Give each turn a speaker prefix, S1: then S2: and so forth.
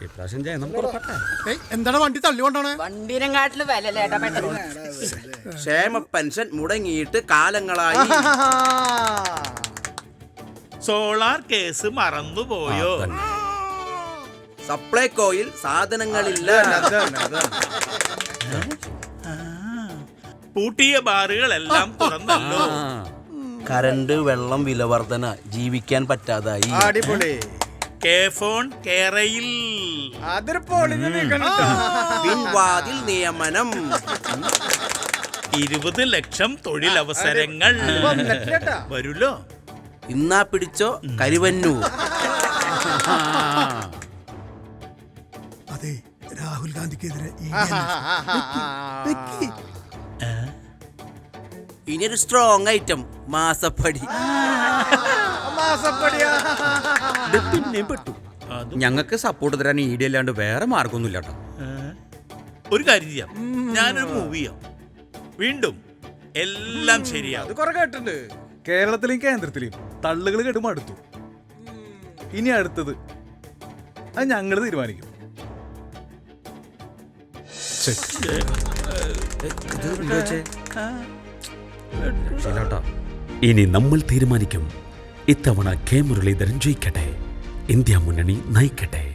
S1: എന്താണ് വണ്ടി തള്ളിക്കൊണ്ടാണ്?
S2: വണ്ടിനെങ്കാട്ടില് വിലല്ലേട്ടാ പെട്ടെന്ന്.
S3: ക്ഷേമ പെൻഷൻ മുടങ്ങിയിട്ട് കാലങ്ങളായി.
S4: സോളാർ കേസ് മറന്നുപോയോ?
S3: സപ്ലൈകോയിൽ സാധനങ്ങളില്ല.
S4: പൂട്ടിയ ബാറുകളെല്ലാം തുറന്നല്ലോ.
S3: കരണ്ട് വെള്ളം വിലവർധന ജീവിക്കാൻ പറ്റാതായി.
S1: അടിപൊളി.
S4: കെ ഫോൺ കേരയിൽ
S3: പിൻവാതിൽ നിയമനം.
S4: 20 ലക്ഷം തൊഴിലവസരങ്ങൾ വരുല്ലോ.
S3: ഇന്നാ പിടിച്ചോ കരുവന്നൂർ.
S1: അതെ, രാഹുൽ ഗാന്ധിക്കെതിരെ
S3: ഇനിയൊരു സ്ട്രോങ് ഐറ്റം മാസപ്പടി.
S5: പിന്നെ പെട്ടു. ഞങ്ങൾക്ക് സപ്പോർട്ട് തരാൻ ഈഡി അല്ലാണ്ട് വേറെ മാർഗമൊന്നുമില്ല കേട്ടോ.
S4: ഒരു കാര്യം ചെയ്യാം, ഞാനൊരു മൂവി ചെയ്യാം. വീണ്ടും എല്ലാം ശരിയാവും.
S6: കേട്ടിട്ടുണ്ട്. കേരളത്തിലെയും കേന്ദ്രത്തിലെയും തള്ളുകൾ കേട്ട് മടുത്തു. ഇനി അടുത്തത് അത് ഞങ്ങൾ തീരുമാനിക്കും.
S7: ഇനി നമ്മൾ തീരുമാനിക്കും. ഇത്തവണ കെ മുരളീധരൻ ജയിക്കട്ടെ, ഇന്ത്യ മുന്നണി നയിക്കട്ടെ.